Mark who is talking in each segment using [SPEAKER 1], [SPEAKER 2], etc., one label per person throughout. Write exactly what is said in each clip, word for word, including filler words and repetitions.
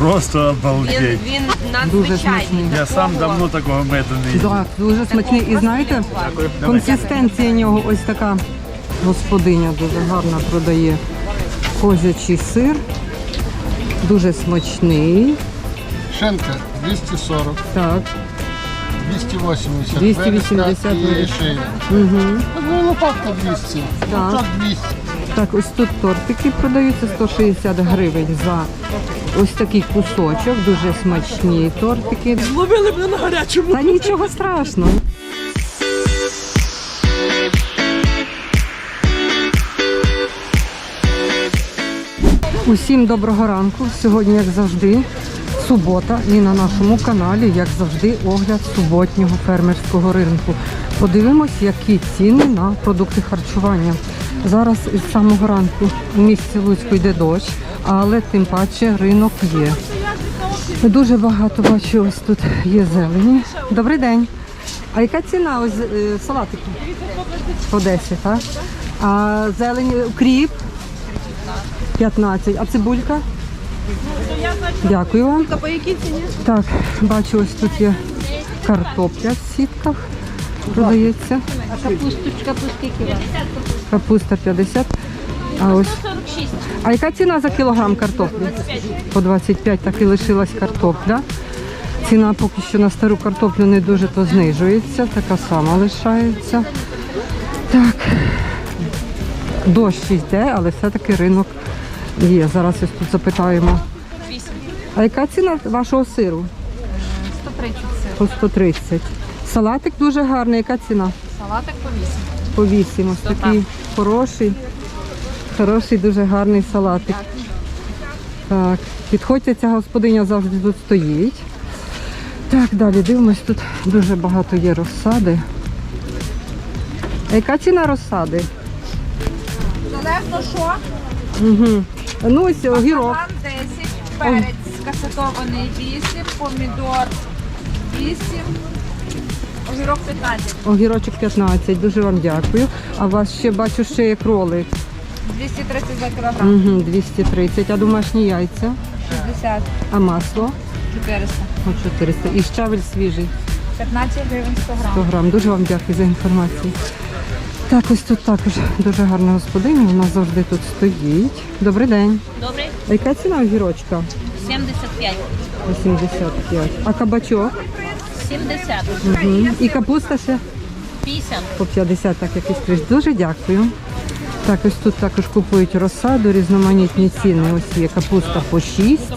[SPEAKER 1] Просто обалдеть.
[SPEAKER 2] Він, він
[SPEAKER 3] Дуже
[SPEAKER 2] надзвичайний.
[SPEAKER 3] смачний.
[SPEAKER 1] Я сам давно такого меду не їв.
[SPEAKER 3] Так, дуже смачний. І знаєте, консистенція нього ось така. Господиня дуже гарно продає козячий сир. Дуже смачний.
[SPEAKER 4] Шинка двісті сорок,
[SPEAKER 3] Так.
[SPEAKER 4] двісті вісімдесят,
[SPEAKER 3] двісті вісімдесят
[SPEAKER 4] вирізка і
[SPEAKER 3] вирізка.
[SPEAKER 4] шия.
[SPEAKER 3] Угу.
[SPEAKER 4] Ну, лопатка двісті,
[SPEAKER 3] Так.
[SPEAKER 4] лопатка двісті.
[SPEAKER 3] Так, ось тут тортики продаються сто шістдесят гривень за ось такий кусочок. Дуже смачні тортики.
[SPEAKER 2] Зловили мене на гарячому.
[SPEAKER 3] Та нічого страшного. Усім доброго ранку. Сьогодні, як завжди, субота і на нашому каналі, як завжди, огляд суботнього фермерського ринку. Подивимось, які ціни на продукти харчування. Зараз із самого ранку у місті Луцьку йде дощ, але тим паче ринок є. Дуже багато бачу, ось тут є зелені. Добрий день. А яка ціна ось е, салатики? По десять, так? А зелені, укріп? п'ятнадцять. А цибулька? Дякую вам.
[SPEAKER 2] По якій ціні?
[SPEAKER 3] Так, бачу, ось тут є картопля в сітках. Продається.
[SPEAKER 2] А капусточка по скільки?
[SPEAKER 3] Капуста п'ятдесят. А ось. А яка ціна за кілограм картоплі? По двадцять п'ять, так і лишилась картопля. Ціна поки що на стару картоплю не дуже то знижується, така сама лишається. Так, дощ йде, але все-таки ринок є. Зараз ось тут запитаємо. А яка ціна вашого сиру?
[SPEAKER 2] сто тридцять сир.
[SPEAKER 3] По сто тридцять. Салатик дуже гарний. Яка ціна?
[SPEAKER 2] Салатик по вісім.
[SPEAKER 3] По вісім. Ось такий хороший, хороший, дуже гарний салатик. Так, підходьте, ця господиня завжди тут стоїть. Так, далі дивимось, тут дуже багато є розсади. А яка ціна розсади?
[SPEAKER 2] Залежно що?
[SPEAKER 3] Угу. Ну ось огірок.
[SPEAKER 2] Банан десять, перець касатований вісім, помідор вісім, огірок п'ятнадцять.
[SPEAKER 3] Огірочок п'ятнадцять, дуже вам дякую. А у вас ще бачу, ще є кролик.
[SPEAKER 2] двісті тридцять за кілограм.
[SPEAKER 3] Угу, двісті тридцять. А домашні яйця?
[SPEAKER 2] шістдесят.
[SPEAKER 3] А масло?
[SPEAKER 2] чотириста.
[SPEAKER 3] О, чотириста. І щавель свіжий.
[SPEAKER 2] п'ятнадцять гривень сто грам.
[SPEAKER 3] сто грам. Дуже вам дякую за інформацію. Так, ось тут також дуже гарна господиня, вона завжди тут стоїть. Добрий день.
[SPEAKER 2] Добрий.
[SPEAKER 3] А яка ціна огірочка?
[SPEAKER 2] сімдесят п'ять.
[SPEAKER 3] вісімдесят п'ять. А кабачок?
[SPEAKER 2] сімдесят.
[SPEAKER 3] Угу. І капуста ще?
[SPEAKER 2] п'ятдесят.
[SPEAKER 3] По п'ятдесят, так якийсь криш. Дуже дякую. Так, ось тут також купують розсаду, різноманітні ціни. Ось є капуста по шість.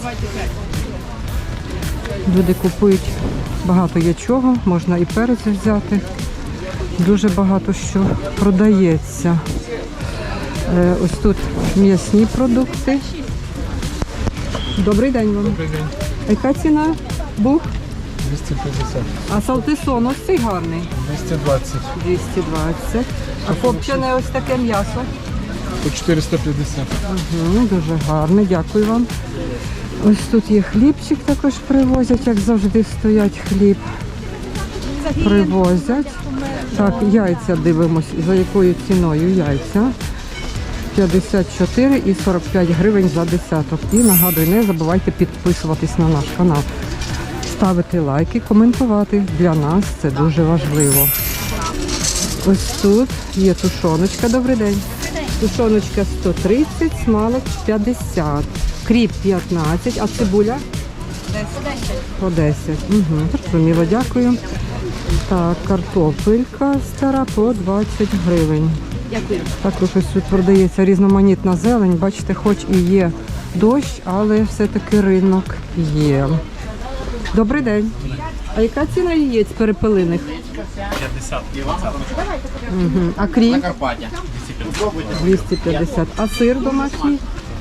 [SPEAKER 3] Люди купують багато є чого, можна і перець взяти. Дуже багато що продається. Е, ось тут м'ясні продукти. Добрий день вам.
[SPEAKER 4] Добрий день.
[SPEAKER 3] А яка ціна бух?
[SPEAKER 4] двісті п'ятдесят,
[SPEAKER 3] А салтисон ось цей гарний.
[SPEAKER 4] двісті двадцять,
[SPEAKER 3] двісті двадцять. А копчене ось таке м'ясо.
[SPEAKER 4] по чотириста п'ятдесят.
[SPEAKER 3] Угу, дуже гарне, дякую вам. Ось тут є хлібчик, також привозять, як завжди стоять хліб. Привозять. Так, яйця дивимось, за якою ціною яйця. п'ятдесят чотири і сорок п'ять гривень за десяток. І нагадую, не забувайте підписуватись на наш канал. Ставити лайки, коментувати. Для нас це дуже важливо. Ось тут є тушоночка. Добрий день. Тушоночка сто тридцять, смалик п'ятдесят. Кріп п'ятнадцять, а цибуля? По десять. Угу, зрозуміло, дякую. Так, картопелька стара по двадцять гривень.
[SPEAKER 2] Дякую.
[SPEAKER 3] Також ось тут продається різноманітна зелень. Бачите, хоч і є дощ, але все-таки ринок є. Добрий день. А яка ціна яєць перепелиних?
[SPEAKER 1] п'ятдесят.
[SPEAKER 3] Угу. А кріп? двісті п'ятдесят. А сир домашній?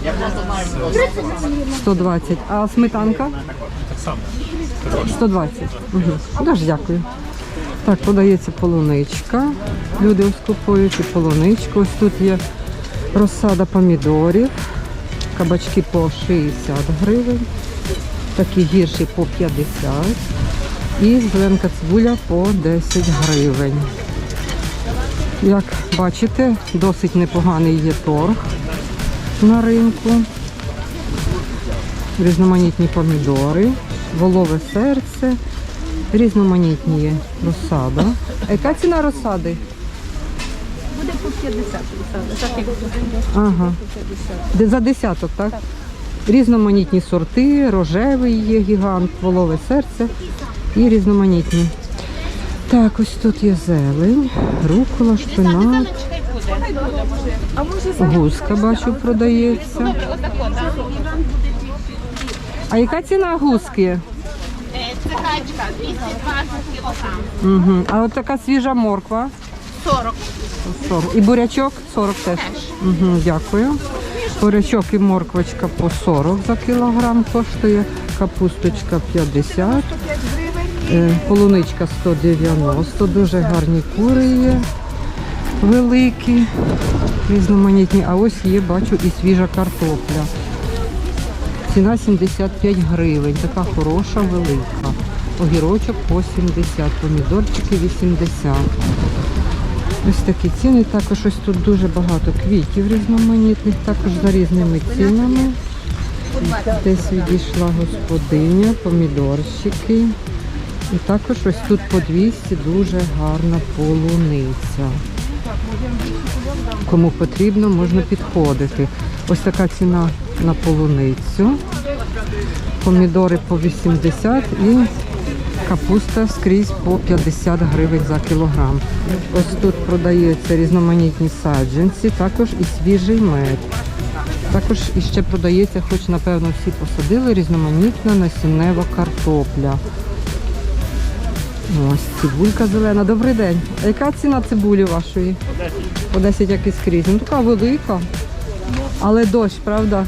[SPEAKER 3] сто двадцять. А сметанка? сто двадцять. Угу. Дуже дякую. Так, подається полуничка. Люди ось купують і полуничку. Ось тут є розсада помідорів. Кабачки по шістдесят гривень. Такі гірші по п'ятдесят. І зеленка цибуля по десять гривень. Як бачите, досить непоганий є торг на ринку. різноманітні помідори, волове серце, різноманітні є розсада. А яка ціна розсади?
[SPEAKER 2] Буде по п'ятдесят.
[SPEAKER 3] Ага. Де за десяток, так? Різноманітні сорти, рожевий є гігант, волове серце і різноманітні. Так, ось тут є зелень, рукола, шпинат, гуска, бачу, продається. А яка ціна гуски?
[SPEAKER 2] Це качка, двісті двадцять кілограм.
[SPEAKER 3] Угу. А от така свіжа морква?
[SPEAKER 2] сорок.
[SPEAKER 3] сорок. І бурячок сорок теж. Угу, дякую. Бурячок і морквочка по сорок за кілограм коштує. Капусточка п'ятдесят. Е, полуничка сто дев'яносто. Дуже гарні кури є. Великі, різноманітні. А ось є, бачу, і свіжа картопля. Ціна сімдесят п'ять гривень. Така хороша, велика. Огірочок по сімдесят, помідорчики вісімдесят. Ось такі ціни. Також ось тут дуже багато квітів різноманітних, також за різними цінами. Десь відійшла господиня, помідорчики. І також ось тут по двісті дуже гарна полуниця. Кому потрібно, можна підходити. Ось така ціна на полуницю. Помідори по вісімдесят і капуста скрізь по п'ятдесят гривень за кілограм. Ось тут продаються різноманітні саджанці, також і свіжий мед. Також іще продається, хоч напевно всі посадили, різноманітна насіннева картопля. Ось цибулька зелена. Добрий день. А яка ціна цибулі вашої? По десять, як і скрізь. Ну така велика. Але дощ, правда?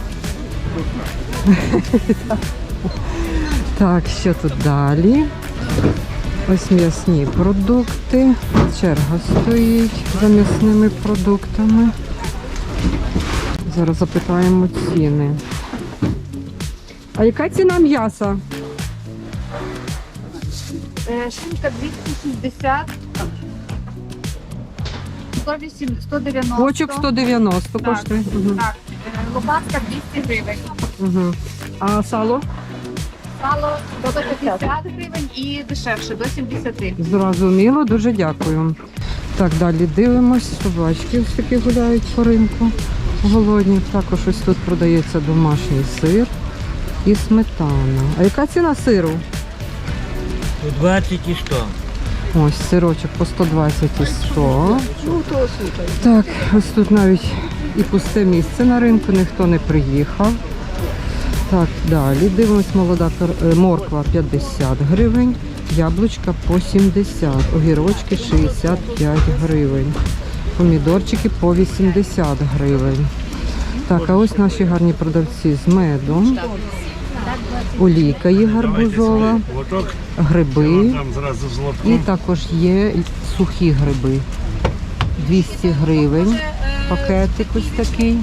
[SPEAKER 3] Так, що тут далі? Ось м'ясні продукти. Черга стоїть за м'ясними продуктами. Зараз запитаємо ціни. А яка ціна м'яса?
[SPEAKER 5] Шинка двісті шістдесят, сто вісім, сто дев'яносто.
[SPEAKER 3] Бочок сто дев'яносто
[SPEAKER 5] Так,
[SPEAKER 3] коштує. Угу.
[SPEAKER 5] Так, е, лопатка двісті гривень.
[SPEAKER 3] Угу. А сало?
[SPEAKER 5] Сало до п'ятдесят гривень і дешевше, до сімдесят.
[SPEAKER 3] Зрозуміло, дуже дякую. Так, далі дивимось. Собачки ось такі гуляють по ринку. Голодні. Також ось тут продається домашній сир і сметана. А яка ціна сиру?
[SPEAKER 6] двадцять і сто.
[SPEAKER 3] Ось сирочок по сто двадцять і сто. Так, ось тут навіть і пусте місце на ринку, ніхто не приїхав. Так, далі дивимось, молода кар- е, морква п'ятдесят гривень, яблучка по сімдесят, огірочки шістдесят п'ять гривень, помідорчики по вісімдесят гривень. Так, а ось наші гарні продавці з медом. Олійка є гарбузова,
[SPEAKER 1] Лоток,
[SPEAKER 3] гриби.
[SPEAKER 1] там зразу з
[SPEAKER 3] І
[SPEAKER 1] лотком.
[SPEAKER 3] також є і сухі гриби. двісті гривень. Пакетик ось такий.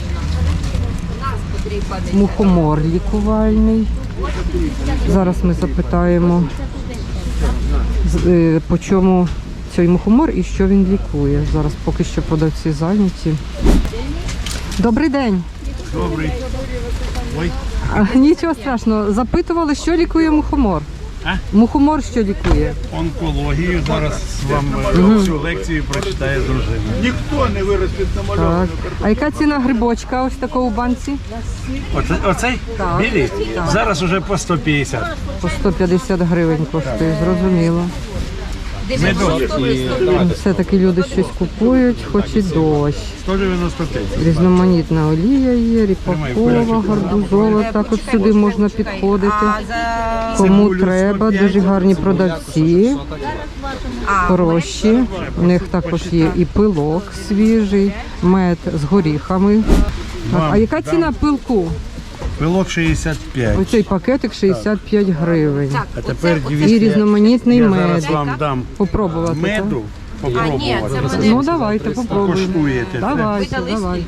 [SPEAKER 3] Мухомор лікувальний. Зараз ми запитаємо, з- е, по чому цей мухомор і що він лікує. Зараз поки що продавці зайняті. Добрий день.
[SPEAKER 1] Добрий. Ой,
[SPEAKER 3] А, нічого страшного. Запитували, що лікує мухомор.
[SPEAKER 1] А?
[SPEAKER 3] Мухомор що лікує?
[SPEAKER 1] онкологію. Зараз вам е, всю лекцію прочитає дружина.
[SPEAKER 7] Ніхто не виростить намальовану
[SPEAKER 3] Так. А яка ціна грибочка ось такого у банці?
[SPEAKER 1] Оце, оцей?
[SPEAKER 3] Так.
[SPEAKER 1] Білий? Зараз уже по сто п'ятдесят.
[SPEAKER 3] По сто п'ятдесят гривень коштує, зрозуміло.
[SPEAKER 1] Медочок.
[SPEAKER 3] Все-таки люди щось купують, хоч і дощ.
[SPEAKER 1] сто дев'яносто п'ять.
[SPEAKER 3] Різноманітна олія є, ріпакова, гарбузова. Також сюди можна підходити. Кому треба, дуже гарні продавці, хороші. У них також є і пилок свіжий, мед з горіхами. Так, а яка ціна пилку?
[SPEAKER 1] Пилок шістдесят п'ять.
[SPEAKER 3] Оцей пакетик шістдесят п'ять гривень.
[SPEAKER 1] А тепер
[SPEAKER 3] І
[SPEAKER 1] дивіться,
[SPEAKER 3] різноманітний
[SPEAKER 1] я
[SPEAKER 3] мед.
[SPEAKER 1] зараз вам дам
[SPEAKER 3] Попробувати. так?
[SPEAKER 1] меду. Попробувати.
[SPEAKER 3] Ну давайте попробуємо.
[SPEAKER 1] Покуштуєте.
[SPEAKER 3] Давайте, давайте.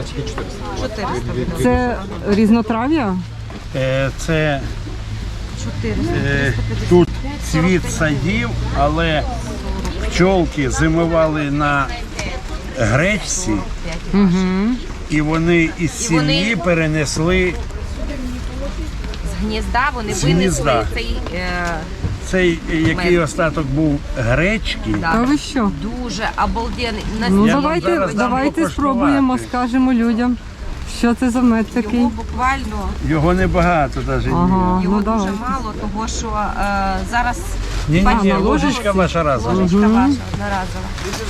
[SPEAKER 3] Це різнотрав'я?
[SPEAKER 1] Е, Це е, тут цвіт садів, але пчолки зимували на гречці, і вони із сім'ї перенесли
[SPEAKER 6] гнізда вони
[SPEAKER 1] З
[SPEAKER 6] винесли
[SPEAKER 1] гнізда.
[SPEAKER 6] цей е,
[SPEAKER 1] Цей, е, який остаток був гречки,
[SPEAKER 6] да,
[SPEAKER 3] Та ви що?
[SPEAKER 6] дуже обалденний. На
[SPEAKER 3] Ну
[SPEAKER 1] Я вам
[SPEAKER 3] давайте,
[SPEAKER 1] зараз дам
[SPEAKER 3] давайте
[SPEAKER 1] покуштувати.
[SPEAKER 3] спробуємо, скажемо людям, що це за мед такий.
[SPEAKER 6] його буквально
[SPEAKER 1] його небагато навіть.
[SPEAKER 3] Ага,
[SPEAKER 6] його
[SPEAKER 3] ну
[SPEAKER 6] дуже
[SPEAKER 3] давай.
[SPEAKER 6] мало, того що е, зараз
[SPEAKER 1] Ні, ні,
[SPEAKER 6] бачите,
[SPEAKER 1] ні,
[SPEAKER 3] на
[SPEAKER 1] ложечка ваша разом.
[SPEAKER 6] ложечка ваша одноразова.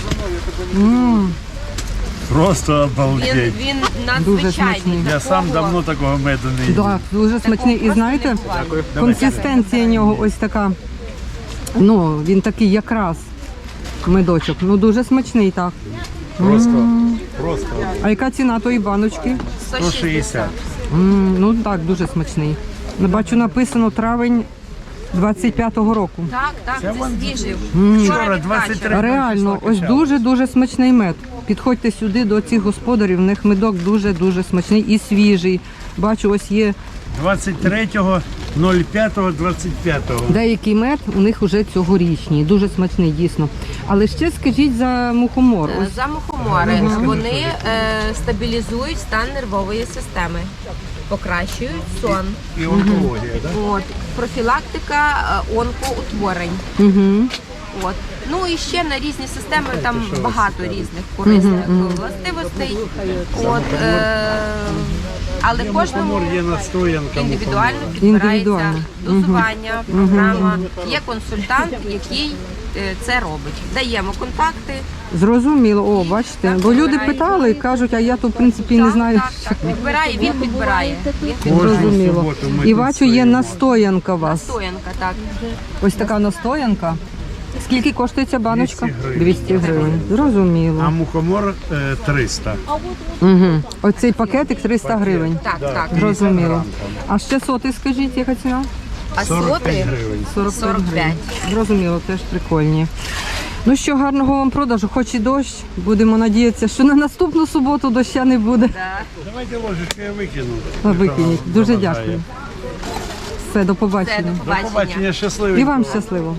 [SPEAKER 3] М,
[SPEAKER 1] Просто
[SPEAKER 6] Він,
[SPEAKER 1] обалдеть.
[SPEAKER 6] він
[SPEAKER 3] Дуже
[SPEAKER 6] надзвичайний.
[SPEAKER 3] смачний.
[SPEAKER 1] Я сам
[SPEAKER 6] Такого-
[SPEAKER 1] давно такого меду не їв.
[SPEAKER 3] Да, дуже смачний. І
[SPEAKER 6] просто
[SPEAKER 3] знаєте,
[SPEAKER 6] не буває.
[SPEAKER 3] консистенція нього ось така. Ну, він такий якраз медочок. Ну дуже смачний так.
[SPEAKER 1] Просто, просто
[SPEAKER 3] А яка ціна тої баночки?
[SPEAKER 1] сто шістдесят.
[SPEAKER 3] М, ну так, дуже смачний. Бачу, написано травень двадцять п'ятого року.
[SPEAKER 6] Так, так, це свіжий.
[SPEAKER 1] Вчора
[SPEAKER 6] Вчора
[SPEAKER 1] двадцять три
[SPEAKER 6] відкачаний.
[SPEAKER 3] Реально,
[SPEAKER 1] числа
[SPEAKER 3] ось
[SPEAKER 1] качали.
[SPEAKER 3] дуже-дуже смачний мед. Підходьте сюди до цих господарів, в них медок дуже-дуже смачний і свіжий. Бачу, ось є
[SPEAKER 1] двадцять третього ноль п'ятого двадцять п'ятого.
[SPEAKER 3] деякий мед, у них вже цьогорічний, дуже смачний, дійсно. Але ще скажіть за мухомор.
[SPEAKER 6] Е,
[SPEAKER 3] Ось
[SPEAKER 6] За мухомори вони е, стабілізують стан нервової системи, покращують сон.
[SPEAKER 1] І онкологія, так?
[SPEAKER 6] От, профілактика е, онкоутворень.
[SPEAKER 3] Угу.
[SPEAKER 6] От. Ну і ще на різні системи там багато різних корисних властивостей. От, е, але кожному
[SPEAKER 1] Мухомор є настоянка.
[SPEAKER 6] індивідуально підбирається
[SPEAKER 3] Індивідуально.
[SPEAKER 6] дозування, програма. Є консультант, який е, це робить. Даємо контакти.
[SPEAKER 3] Зрозуміло, о, бачите. Бо люди питали і кажуть, а я то в принципі не знаю.
[SPEAKER 6] Так, так, так. Підбирає, він підбирає. Він
[SPEAKER 1] Кожну
[SPEAKER 6] підбирає.
[SPEAKER 3] Зрозуміло.
[SPEAKER 1] суботу ми
[SPEAKER 3] І
[SPEAKER 1] тут
[SPEAKER 3] бачу, є
[SPEAKER 1] стоїмо.
[SPEAKER 3] настоянка у вас.
[SPEAKER 6] Настоянка, так.
[SPEAKER 3] Ось така настоянка. Скільки коштує ця баночка?
[SPEAKER 1] двісті гривень.
[SPEAKER 3] двісті гривень. Зрозуміло.
[SPEAKER 1] А мухомор е, триста.
[SPEAKER 3] Угу. Оцей пакетик триста гривень.
[SPEAKER 6] Так, так.
[SPEAKER 3] Зрозуміло. А ще соти, скажіть, яка ціна?
[SPEAKER 6] А
[SPEAKER 1] сорок п'ять
[SPEAKER 6] соти
[SPEAKER 1] гривень.
[SPEAKER 3] сорок
[SPEAKER 6] сорок п'ять.
[SPEAKER 3] Зрозуміло, теж прикольні. Ну що, гарного вам продажу, хоч і дощ. Будемо надіятися, що на наступну суботу доща не буде.
[SPEAKER 1] Давайте ложечку я викину.
[SPEAKER 3] А, Викиніть. Дуже
[SPEAKER 1] Заважає.
[SPEAKER 3] дякую. Все, до
[SPEAKER 6] Це
[SPEAKER 3] побачення.
[SPEAKER 6] до
[SPEAKER 1] До
[SPEAKER 6] побачення.
[SPEAKER 1] побачення, щасливі.
[SPEAKER 3] І вам щасливо.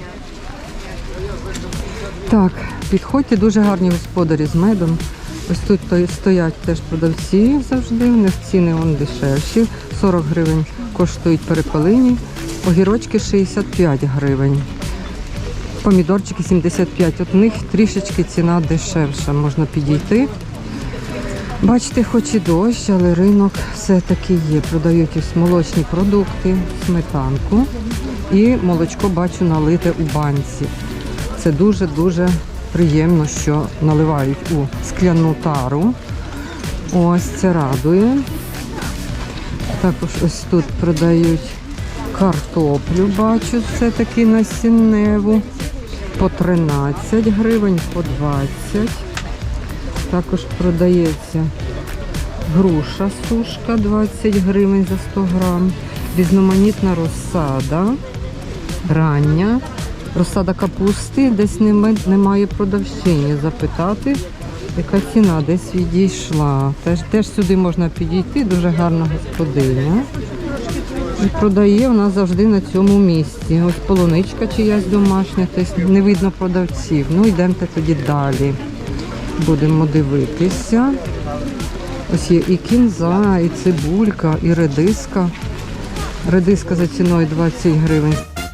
[SPEAKER 3] Так, підходьте, дуже гарні господарі з медом. Ось тут то- стоять теж продавці завжди, у них ціни вон дешевші. сорок гривень коштують перепелині, огірочки шістдесят п'ять гривень. Помідорчики сімдесят п'ять. От у них трішечки ціна дешевша, можна підійти. Бачите, хоч і дощ, але ринок все-таки є. Продають ось молочні продукти, сметанку і молочко бачу налите у банці. Це дуже-дуже приємно, що наливають у скляну тару. Ось це радує. Також ось тут продають картоплю, бачу, все-таки насінневу. По тринадцять гривень, по двадцять. Також продається груша сушка двадцять гривень за сто грам. Різноманітна розсада, рання. Розсада капусти, десь нема- немає продавщині. Запитати, яка ціна десь відійшла. Теж, теж сюди можна підійти, дуже гарна господиня. І продає вона завжди на цьому місці. Ось полуничка чиясь домашня, тобто не видно продавців. Ну, йдемте тоді далі. Будемо дивитися. Ось є і кінза, і цибулька, і редиска. Редиска за ціною двадцять гривень.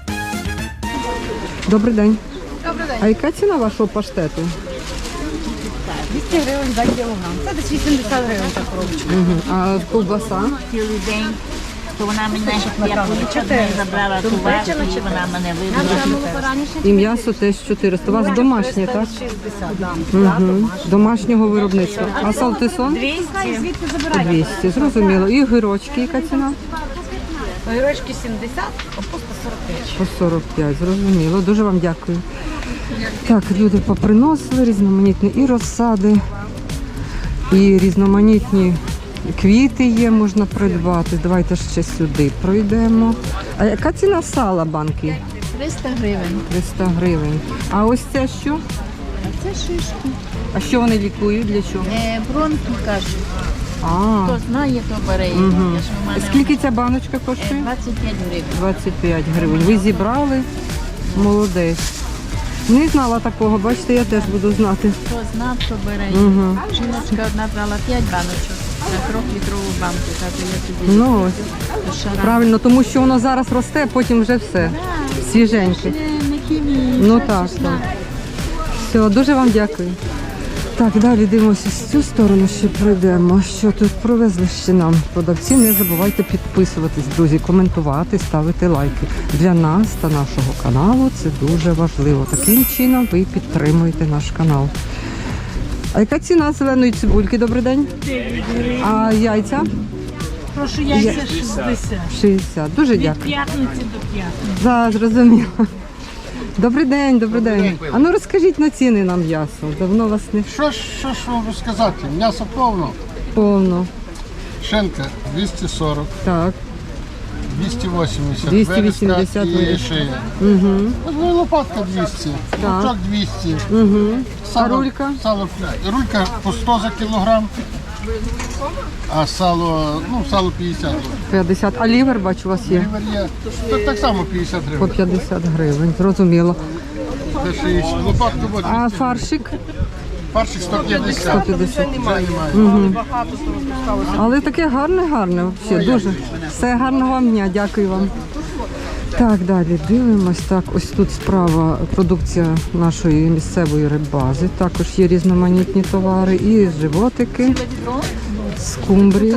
[SPEAKER 3] Добрий день.
[SPEAKER 2] Добрий день.
[SPEAKER 3] А яка ціна вашого паштету?
[SPEAKER 2] двісті гривень за кілограм. Це десь вісімдесят гривень за коробочку.
[SPEAKER 3] Угу. А ковбаса?
[SPEAKER 8] Цілий день, то вона мене я полічила, забрала ту варту, і вона мене вибрала.
[SPEAKER 3] І м'ясо теж чотириста. У вас домашнє, так? Угу. Домашнього виробництва. А салтисон?
[SPEAKER 2] Звідки
[SPEAKER 3] двісті. Зрозуміло. І огірочки, яка ціна?
[SPEAKER 2] Огірочки сімдесят, капуста сорок п'ять.
[SPEAKER 3] По сорок п'ять, зрозуміло. Дуже вам дякую. Так, люди поприносили різноманітні і розсади, і різноманітні квіти є, можна придбати. Давайте ще сюди пройдемо. А яка ціна сала банки?
[SPEAKER 2] триста гривень.
[SPEAKER 3] триста гривень. А ось це що?
[SPEAKER 2] Це шишки.
[SPEAKER 3] А що вони лікують? Для чого?
[SPEAKER 2] Е, бронхи кажуть.
[SPEAKER 3] А,
[SPEAKER 8] Хто знає, то бере.
[SPEAKER 3] Угу.
[SPEAKER 8] Я ж у мене
[SPEAKER 3] Скільки ця баночка коштує?
[SPEAKER 8] двадцять п'ять гривень.
[SPEAKER 3] двадцять п'ять гривень. Ви зібрали? Молодець. Не знала такого, бачите, я теж буду знати.
[SPEAKER 8] Хто знав, то бере.
[SPEAKER 3] Угу.
[SPEAKER 8] Жіночка одна брала п'ять баночок. трьохлітрову банку, тато, я тобі.
[SPEAKER 3] Ну ось. Правильно, тому що воно зараз росте, потім вже все. Свіженьке. Ну так, так. Все, дуже вам дякую. Так, далі дивимося з цю сторону, ще пройдемо. Що тут привезли ще нам продавці. Не забувайте підписуватись, друзі, коментувати, ставити лайки. Для нас та нашого каналу це дуже важливо. Таким чином ви підтримуєте наш канал. А яка ціна зеленої цибульки? Добрий день. А яйця?
[SPEAKER 8] Прошу, яйця шістдесят.
[SPEAKER 3] шістдесят. Дуже дякую.
[SPEAKER 8] П'ятниці до п'ятниці.
[SPEAKER 3] Так, зрозуміло. Добрий день, добрий день. А ну розкажіть на ціни на м'ясо. Давно вас не
[SPEAKER 4] Що ж, що ж вам розказати? М'ясо повно.
[SPEAKER 3] повно.
[SPEAKER 4] Шинка двісті сорок,
[SPEAKER 3] Так.
[SPEAKER 4] двісті вісімдесят,
[SPEAKER 3] двісті вісімдесят
[SPEAKER 4] вирізка і
[SPEAKER 3] вирізка.
[SPEAKER 4] шия.
[SPEAKER 3] Угу.
[SPEAKER 4] Ну, лопатка двісті,
[SPEAKER 3] Так.
[SPEAKER 4] лучок двісті.
[SPEAKER 3] Угу. А
[SPEAKER 4] Сало,
[SPEAKER 3] рулька?
[SPEAKER 4] Сало, рулька по сто за кілограм, а сало, ну, сало п'ятдесят.
[SPEAKER 3] п'ятдесят. А лівер, бачу, у вас є.
[SPEAKER 4] Лівер є, то так само п'ятдесят
[SPEAKER 3] По
[SPEAKER 4] гривень.
[SPEAKER 3] п'ятдесят гривень, зрозуміло.
[SPEAKER 4] Це шістдесят. Лопатка вот
[SPEAKER 3] А
[SPEAKER 4] двісті.
[SPEAKER 3] фаршик?
[SPEAKER 4] Фаршик сто п'ятдесят.
[SPEAKER 3] сто п'ятдесят.
[SPEAKER 4] Вже немає.
[SPEAKER 3] Але таке гарне, гарне. Взагалі, дуже. Все, гарного вам дня, дякую вам. Так, далі дивимось. Так, ось тут справа продукція нашої місцевої риббази. Також є різноманітні товари і животики, скумбрія.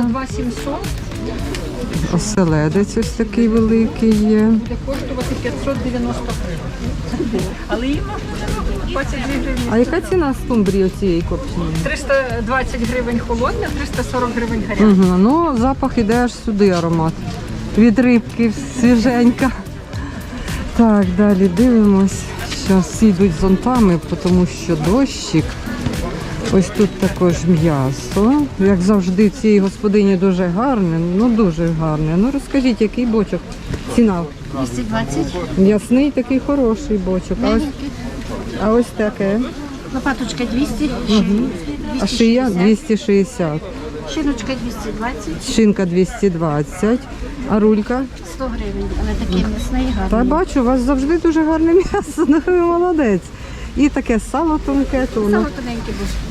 [SPEAKER 3] Оселедець ось такий великий є.
[SPEAKER 2] Буде коштувати п'ятсот дев'яносто гривень. Але їм двадцять дві гривні.
[SPEAKER 3] А яка ціна скумбрії цієї копченої?
[SPEAKER 2] триста двадцять гривень холодна, триста сорок гривень гаряча.
[SPEAKER 3] Угу. Ну, запах іде аж сюди аромат. Від рибки свіженька. Так, далі дивимось. Зараз всі йдуть зонтами, тому що дощик. Ось тут також м'ясо. Як завжди, цієї господині дуже гарне, ну дуже гарне. Ну розкажіть, який бочок? Ціна?
[SPEAKER 8] двісті двадцять.
[SPEAKER 3] М'ясний такий хороший бочок. А ось, а ось таке.
[SPEAKER 8] Лопаточка двісті.
[SPEAKER 3] А шия двісті шістдесят.
[SPEAKER 8] Шиночка двісті двадцять.
[SPEAKER 3] Шинка двісті двадцять. А рулька?
[SPEAKER 8] сто гривень. Але такий м'ясний
[SPEAKER 3] Та
[SPEAKER 8] гарний.
[SPEAKER 3] бачу, у вас завжди дуже гарне м'ясо, ну ви молодець. І таке сало тонке, то воно,
[SPEAKER 8] Саме тоненьке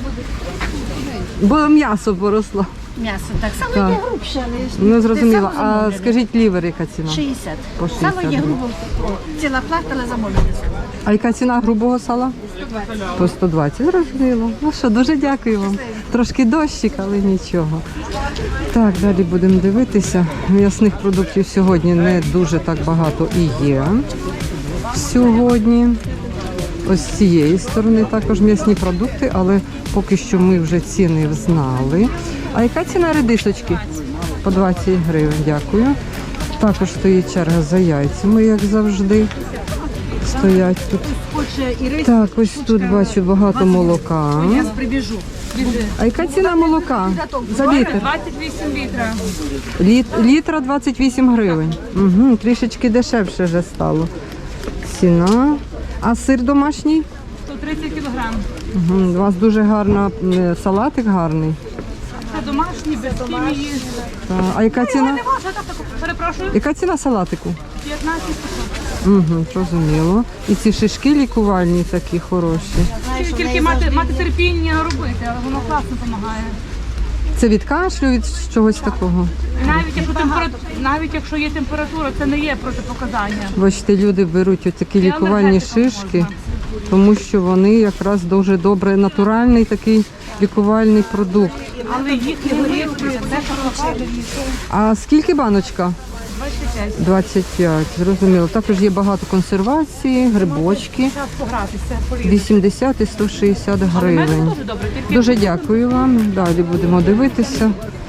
[SPEAKER 8] буде.
[SPEAKER 3] бо м'ясо поросло.
[SPEAKER 8] М'ясо так само
[SPEAKER 3] Так.
[SPEAKER 8] є грубше, але
[SPEAKER 3] Ну зрозуміло.
[SPEAKER 8] Сало
[SPEAKER 3] А
[SPEAKER 8] замовлене.
[SPEAKER 3] скажіть, лівер яка ціна?
[SPEAKER 8] шістдесят.
[SPEAKER 3] По шістдесят
[SPEAKER 8] Сало є
[SPEAKER 3] гривень.
[SPEAKER 8] грубо. Ціла плата, але замовлення.
[SPEAKER 3] А яка ціна грубого сала? По сто двадцять, зрозуміло. Ну що, дуже дякую вам. Трошки дощик, але нічого. Так, далі будемо дивитися. М'ясних продуктів сьогодні не дуже так багато і є. Сьогодні. Ось з цієї сторони також м'ясні продукти, але поки що ми вже ціни знали. А яка ціна редисочки? По двадцять гривень, дякую. Також стоїть черга за яйцями, як завжди. Стоять тут. Так, ось тут бачу багато молока.
[SPEAKER 2] Прибіжу.
[SPEAKER 3] А яка ціна молока за літр?
[SPEAKER 2] двадцять вісім літра.
[SPEAKER 3] Літ, літра двадцять вісім гривень. Угу, трішечки дешевше вже стало. Ціна. А сир домашній?
[SPEAKER 2] сто тридцять кілограм.
[SPEAKER 3] Угу, у вас дуже гарна м, салатик гарний.
[SPEAKER 2] Це домашні, без хімії.
[SPEAKER 3] Та, а яка ціна?
[SPEAKER 2] Не можна, так, так, перепрошую,
[SPEAKER 3] Яка ціна салатику?
[SPEAKER 2] п'ятнадцять.
[SPEAKER 3] Угу, зрозуміло. І ці шишки лікувальні такі хороші.
[SPEAKER 2] Тільки мати, мати терпіння робити, але воно класно допомагає.
[SPEAKER 3] Це від кашлю, від чогось такого.
[SPEAKER 2] Навіть якщо температура, навіть якщо є температура, це не є протипоказання.
[SPEAKER 3] Бачите, люди беруть такі лікувальні шишки, тому що вони якраз дуже добре, натуральний такий лікувальний продукт.
[SPEAKER 2] Але їх не горілки, це хороше.
[SPEAKER 3] А скільки баночка? двадцять п'ять, зрозуміло. Також є багато консервації, грибочки,
[SPEAKER 2] Час погратися, полізти.
[SPEAKER 3] вісімдесят і сто шістдесят гривень.
[SPEAKER 2] Дуже добре, тільки
[SPEAKER 3] Дуже дякую вам. Далі будемо дивитися.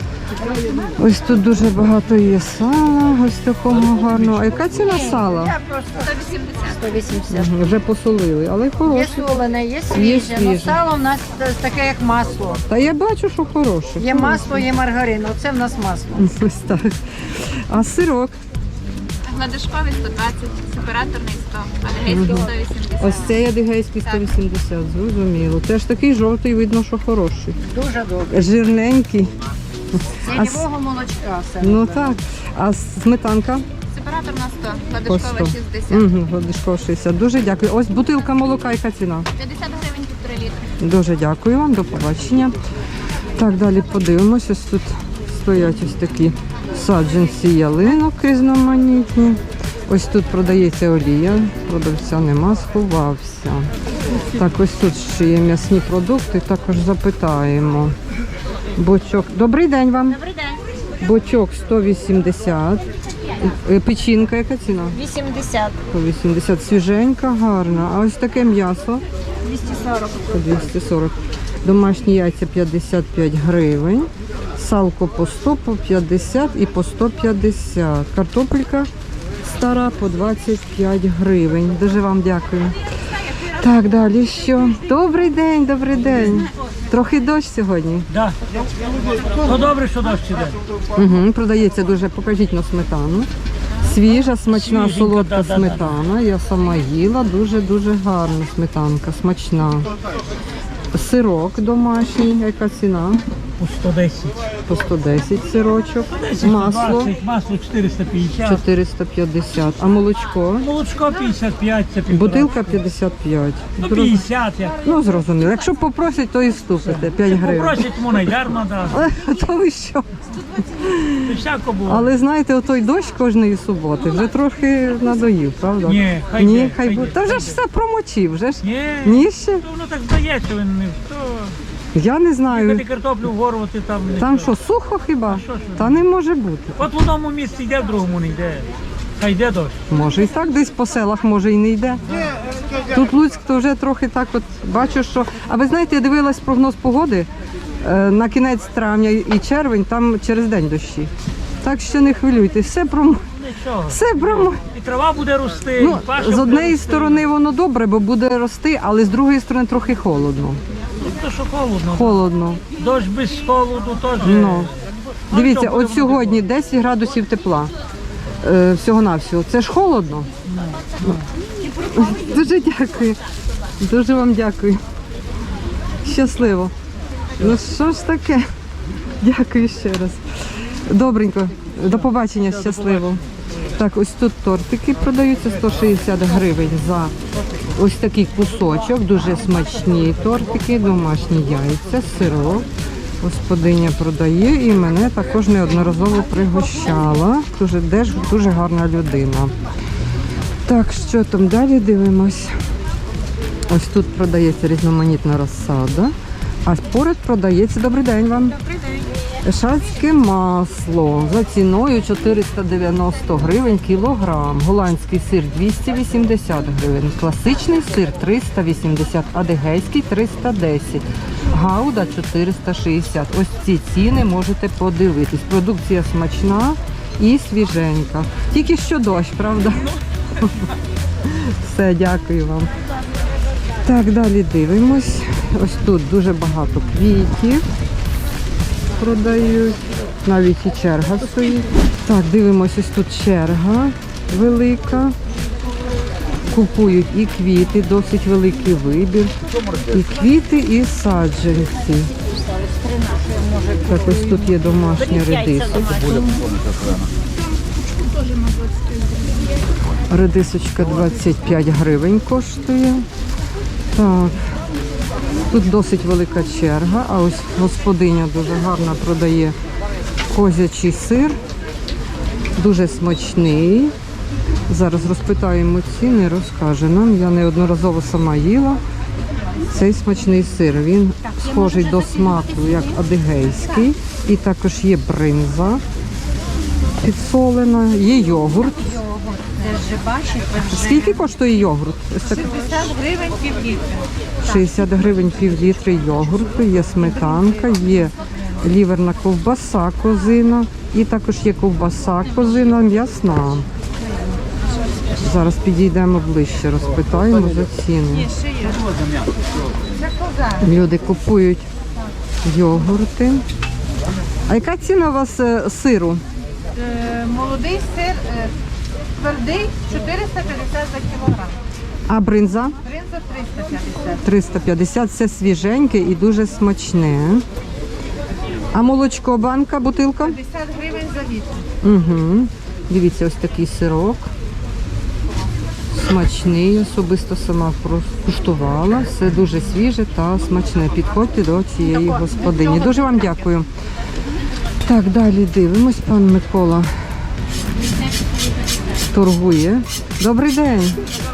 [SPEAKER 3] Ось тут дуже багато є сала, ось такого гарного. А яка ціна сала?
[SPEAKER 8] сто вісімдесят.
[SPEAKER 3] Мгм, вже посолили, але
[SPEAKER 8] Є
[SPEAKER 3] хороше.
[SPEAKER 8] солене, є
[SPEAKER 3] Є
[SPEAKER 8] свіже. Ну,
[SPEAKER 3] свіже.
[SPEAKER 8] сало в нас таке, як масло.
[SPEAKER 3] Та я бачу, що хороше.
[SPEAKER 8] Є масло, є маргарин. Оце в нас масло.
[SPEAKER 3] Ось так. А сирок?
[SPEAKER 6] Гладишковий сто двадцять, сепараторний сто, адегейський сто вісімдесят.
[SPEAKER 3] Ось цей адигейський сто вісімдесят, зрозуміло. Теж такий жовтий, видно, що хороший.
[SPEAKER 8] Дуже добре.
[SPEAKER 3] Жирненький.
[SPEAKER 8] З ялівого молочка все.
[SPEAKER 3] Ну так. А сметанка?
[SPEAKER 6] Сепараторна сто,
[SPEAKER 3] По
[SPEAKER 6] гладишкова
[SPEAKER 3] сто.
[SPEAKER 6] шістдесят.
[SPEAKER 3] Угу, Гладишкова шістдесят. Дуже дякую. Ось бутилка молока, яка ціна?
[SPEAKER 6] п'ятдесят гривень півтори літри.
[SPEAKER 3] Дуже дякую вам, до побачення. Так, далі подивимось. Ось тут стоять ось такі саджанці ялинок різноманітні. Ось тут продається олія, продавця нема, сховався. Так, ось тут ще є м'ясні продукти, також запитаємо. Бочок. Добрий день вам.
[SPEAKER 8] Добрий день.
[SPEAKER 3] Бочок сто вісімдесят. Е, Печінка, яка ціна?
[SPEAKER 8] вісімдесят.
[SPEAKER 3] сто вісімдесят. Свіженька, гарна. А ось таке м'ясо?
[SPEAKER 8] двісті сорок.
[SPEAKER 3] По двісті сорок. Домашні яйця п'ятдесят п'ять гривень. Салко по сто, по п'ятдесят і по сто п'ятдесят. Картопелька стара по двадцять п'ять гривень. Дуже вам дякую. Так, далі що? Добрий день, добрий день. Трохи дощ сьогодні.
[SPEAKER 1] Да. Ну добре, що дощ іде.
[SPEAKER 3] Угу, продається дуже, покажіть на сметану. Свіжа, смачна,
[SPEAKER 1] Свіженька,
[SPEAKER 3] солодка
[SPEAKER 1] да-да-да.
[SPEAKER 3] сметана. Я сама їла, дуже-дуже гарна сметанка, смачна. Сирок домашній, яка ціна?
[SPEAKER 1] По сто десять.
[SPEAKER 3] По сто десять сирочок.
[SPEAKER 1] десять,
[SPEAKER 3] Масло
[SPEAKER 1] сто двадцять, масло чотириста п'ятдесят.
[SPEAKER 3] чотириста п'ятдесят. А молочко?
[SPEAKER 1] Молочко п'ятдесят п'ять, це півтора.
[SPEAKER 3] Бутилка п'ятдесят п'ять.
[SPEAKER 1] Ну п'ятдесят, як.
[SPEAKER 3] Ну, зрозуміло. Якщо попросять, то і ступите. п'ять гривень.
[SPEAKER 1] Попросять, можна й дарма, да.
[SPEAKER 3] Але то ви що?
[SPEAKER 1] І всяко було.
[SPEAKER 3] Але знаєте, отой дощ кожної суботи вже трохи надоїв, правда?
[SPEAKER 1] Ні, хай
[SPEAKER 3] Ні,
[SPEAKER 1] йде,
[SPEAKER 3] хай
[SPEAKER 1] хай
[SPEAKER 3] буде.
[SPEAKER 1] йде.
[SPEAKER 3] Та вже ж все промочив, вже ж.
[SPEAKER 1] Ні,
[SPEAKER 3] Ні ще?
[SPEAKER 1] то воно так здається, він не то.
[SPEAKER 3] Я не
[SPEAKER 1] Коли
[SPEAKER 3] знаю.
[SPEAKER 1] картоплю вгорувати там не
[SPEAKER 3] Там
[SPEAKER 1] то.
[SPEAKER 3] що, сухо хіба?
[SPEAKER 1] що ж ви?
[SPEAKER 3] Та не може бути.
[SPEAKER 1] От в одному місці йде, в другому не йде. Хай йде дощ.
[SPEAKER 3] Може і так десь по селах, може і не йде. Тут Луцьк то вже трохи так от бачу, що. А ви знаєте, я дивилась прогноз погоди е, на кінець травня і червень, там через день дощі. Так що не хвилюйтесь, все про
[SPEAKER 1] Нічого.
[SPEAKER 3] все про
[SPEAKER 1] І трава буде рости,
[SPEAKER 3] ну,
[SPEAKER 1] і паша
[SPEAKER 3] з
[SPEAKER 1] буде
[SPEAKER 3] однієї
[SPEAKER 1] рости.
[SPEAKER 3] сторони воно добре, бо буде рости, але з другої сторони трохи холодно.
[SPEAKER 1] Ну, то що холодно.
[SPEAKER 3] Холодно.
[SPEAKER 1] Дощ без холоду теж.
[SPEAKER 3] Ну. Дивіться,
[SPEAKER 1] що, буде
[SPEAKER 3] от сьогодні десять градусів тепла. Е, всього-навсього. Це ж холодно. Дуже дякую. Дуже вам дякую. Щасливо. Ну що ж таке? Дякую ще раз. Добренько. До побачення, щасливо. Так, ось тут тортики продаються сто шістдесят гривень за ось такий кусочок. Дуже смачні тортики, домашні яйця, сирок. Господиня продає і мене також неодноразово пригощала. Дуже, теж дуже гарна людина. Так, що там далі дивимось? Ось тут продається різноманітна розсада, а поряд продається, добрий день вам. Добрий день. Шацьке масло за ціною чотириста дев'яносто гривень кілограм. Голландський сир двісті вісімдесят гривень. Класичний сир триста вісімдесят, адегейський триста десять. Гауда чотириста шістдесят. Ось ці ціни можете подивитись. Продукція смачна і свіженька. Тільки що дощ, правда? Все, дякую вам. Так, далі дивимось. Ось тут дуже багато квітів продають. Навіть і черга стоїть. Так, дивимось, ось тут черга велика. Купують і квіти, досить великий вибір. І квіти, і саджанці. Так, ось тут є домашня редиска. Редисочка двадцять п'ять гривень коштує. Так. Тут досить велика черга, а ось господиня дуже гарно продає козячий сир. Дуже смачний. Зараз розпитаємо ціни, розкаже нам. Я неодноразово сама їла цей смачний сир. Він схожий до смаку, як адигейський. І також є бринза підсолена, є йогурт. Скільки коштує йогурт? Ось так.
[SPEAKER 2] шістдесят гривень пів літра.
[SPEAKER 3] шістдесят гривень пів літри йогурту, є сметанка, є ліверна ковбаса козина і також є ковбаса козина м'ясна. Зараз підійдемо ближче, розпитаємо за ціни. Люди купують йогурти. А яка ціна у вас е, сиру?
[SPEAKER 2] Е, Молодий сир е, твердий чотириста п'ятдесят за кілограм.
[SPEAKER 3] А бринза?
[SPEAKER 2] Бринза триста п'ятдесят.
[SPEAKER 3] триста п'ятдесят, все свіженьке і дуже смачне. А молочко банка, бутилка?
[SPEAKER 2] п'ятдесят гривень за літр.
[SPEAKER 3] Угу. Дивіться, ось такий сирок. Смачний, особисто сама куштувала. Все дуже свіже та смачне. Підходьте до цієї господині. Дуже вам дякую. Так, далі дивимось. Пан Микола торгує. Добрий день.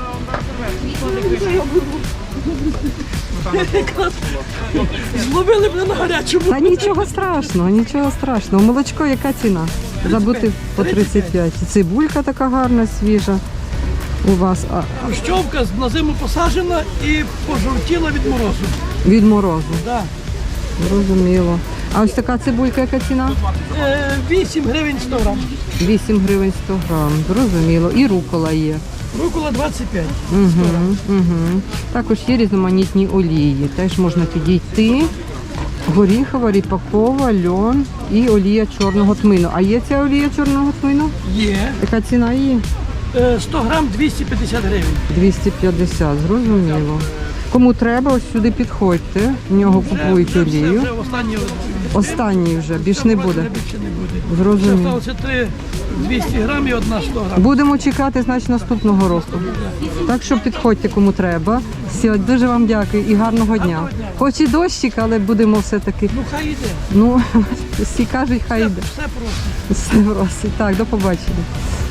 [SPEAKER 9] Зловили мене на гарячому.
[SPEAKER 3] Та нічого страшного, нічого страшного. Молочко, яка ціна? Забути по тридцять п'ять. Цибулька така гарна, свіжа у вас. А,
[SPEAKER 9] Хрущовка на зиму посаджена і пожовтіла від морозу.
[SPEAKER 3] від морозу.
[SPEAKER 9] Да.
[SPEAKER 3] Зрозуміло. А ось така цибулька, яка ціна?
[SPEAKER 9] Е, вісім гривень сто грам.
[SPEAKER 3] вісім гривень сто грам. Зрозуміло. І рукола є.
[SPEAKER 9] Рукола двадцять п'ять.
[SPEAKER 3] Угу, угу. Також є різноманітні олії. Теж можна підійти. Горіхова, ріпакова, льон і олія чорного тмину. А є ця олія чорного тмину?
[SPEAKER 9] Є.
[SPEAKER 3] Яка ціна її?
[SPEAKER 9] Е, сто грам двісті п'ятдесят гривень.
[SPEAKER 3] двісті п'ятдесят, зрозуміло. Кому треба, ось сюди підходьте. В нього купують
[SPEAKER 9] Вже, все,
[SPEAKER 3] олію.
[SPEAKER 9] вже останні.
[SPEAKER 3] Останній вже, більш не буде.
[SPEAKER 9] Більше не буде. Ще
[SPEAKER 3] Зрозуміло.
[SPEAKER 9] залишилося три двісті грам і одна сто грам.
[SPEAKER 3] Будемо чекати, значить, наступного року. Так що підходьте, кому треба. Все, дуже вам дякую і гарного дня. Хоч і дощик, але будемо все-таки.
[SPEAKER 9] Ну хай йде.
[SPEAKER 3] Ну, всі кажуть, хай
[SPEAKER 9] Все,
[SPEAKER 3] йде.
[SPEAKER 9] все просто.
[SPEAKER 3] Все просить. Так, до побачення.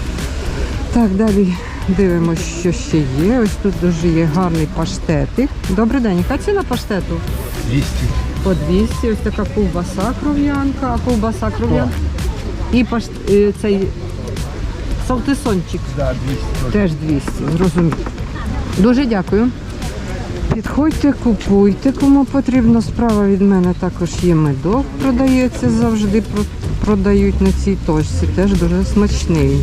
[SPEAKER 3] Так, далі дивимося, що ще є. Ось тут дуже є гарний паштетик. Добрий день. Яка ціна паштету?
[SPEAKER 1] двісті.
[SPEAKER 3] По двісті. Ось така ковбаса кров'янка. А ковбаса кров'янка? І пашт... е, цей салтисончик.
[SPEAKER 1] Да, двісті.
[SPEAKER 3] Теж двісті. Зрозуміло. Дуже дякую. Підходьте, купуйте, кому потрібно. Справа від мене також є медок, продається завжди, про- продають на цій точці. Теж дуже смачний.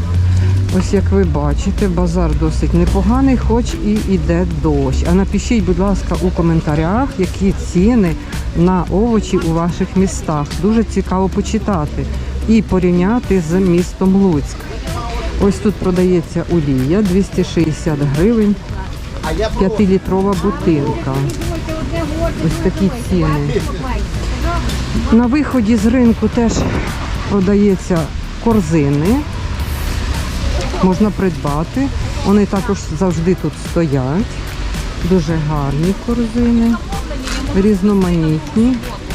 [SPEAKER 3] Ось як ви бачите, базар досить непоганий, хоч і йде дощ. А напишіть, будь ласка, у коментарях, які ціни на овочі у ваших містах. Дуже цікаво почитати і порівняти з містом Луцьк. Ось тут продається олія, двісті шістдесят гривень, п'ятилітрова бутилка. Ось такі ціни. На виході з ринку теж продаються корзини. Можна придбати. Вони також завжди тут стоять. Дуже гарні корзини, різноманітні.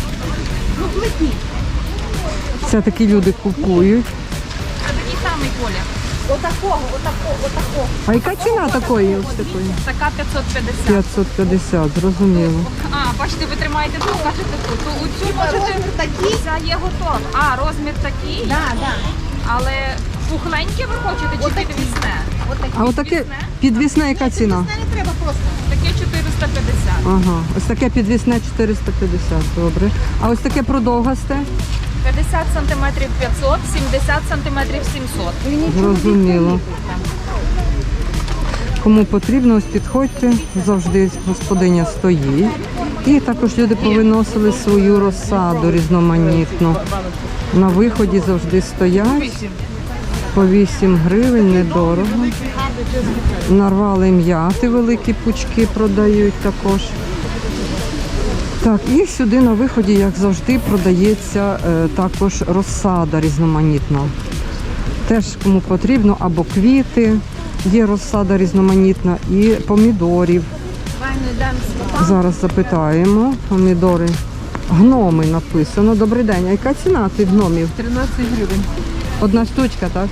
[SPEAKER 3] Це такі люди купують.
[SPEAKER 6] Такий самий колір. Отакого, отакого, отакого.
[SPEAKER 3] А яка ціна такої? Ось такої?
[SPEAKER 6] Така п'ятсот п'ятдесят.
[SPEAKER 3] п'ятсот п'ятдесят, зрозуміло.
[SPEAKER 6] А, бачите, ви тримаєте тут, кажете тут. То оцю можете, ця є готова. А, розмір такий?
[SPEAKER 5] Да, да.
[SPEAKER 6] Але пухленьке ви хочете чи підвісне?
[SPEAKER 3] А отаке підвісне яка ціна?
[SPEAKER 5] Не треба просто.
[SPEAKER 6] Таке чотириста п'ятдесят.
[SPEAKER 3] Ага, ось таке підвісне чотириста п'ятдесят, добре. А ось таке продовгасте?
[SPEAKER 6] п'ятдесят сантиметрів п'ятсот, сімдесят сантиметрів сімсот.
[SPEAKER 3] Зрозуміло. Кому потрібно, ось підходьте, завжди господиня стоїть. І також люди повиносили свою розсаду різноманітну. На виході завжди стоять. По вісім гривень, недорого. Нарвали м'яти, великі пучки продають також. Так, і сюди на виході, як завжди, продається е, також розсада різноманітна. Теж кому потрібно, або квіти, є розсада різноманітна, і помідорів. Зараз запитаємо. Помідори. Гноми написано. Добрий день. А яка ціна цих гномів?
[SPEAKER 2] тринадцять гривень.
[SPEAKER 3] Одна штучка, так?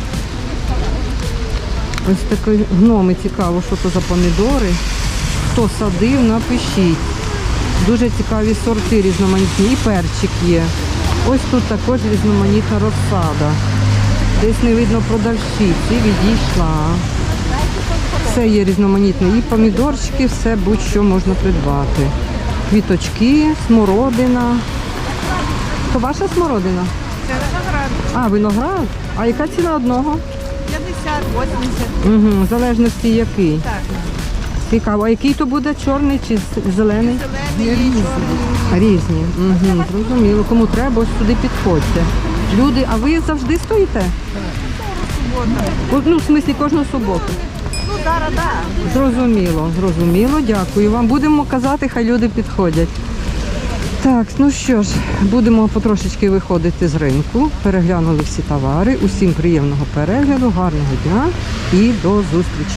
[SPEAKER 3] Ось такі гноми, цікаво, що це за помідори. Хто садив, напишіть. Дуже цікаві сорти різноманітні. І перчик є. Ось тут також різноманітна розсада. Десь не видно продавщиці, відійшла. Все є різноманітне. І помідорчики, все будь-що можна придбати. Квіточки, смородина. То ваша смородина?
[SPEAKER 2] Це виноград.
[SPEAKER 3] А, виноград? А яка ціна одного?
[SPEAKER 2] п'ятдесят, вісімдесят.
[SPEAKER 3] Угу, в залежності який.
[SPEAKER 2] Так.
[SPEAKER 3] Цікаво. А який то буде, чорний чи з- зелений?
[SPEAKER 2] Зелений, чорний.
[SPEAKER 3] Різні. Угу, зрозуміло. Кому треба, ось сюди підходьте. Люди, а ви завжди стоїте? Ну, в смислі, кожну суботу.
[SPEAKER 2] Ну, зараз, так.
[SPEAKER 3] Зрозуміло, зрозуміло. Дякую вам. Будемо казати, хай люди підходять. Так, ну що ж, будемо потрошечки виходити з ринку. Переглянули всі товари. Усім приємного перегляду, гарного дня і до зустрічі.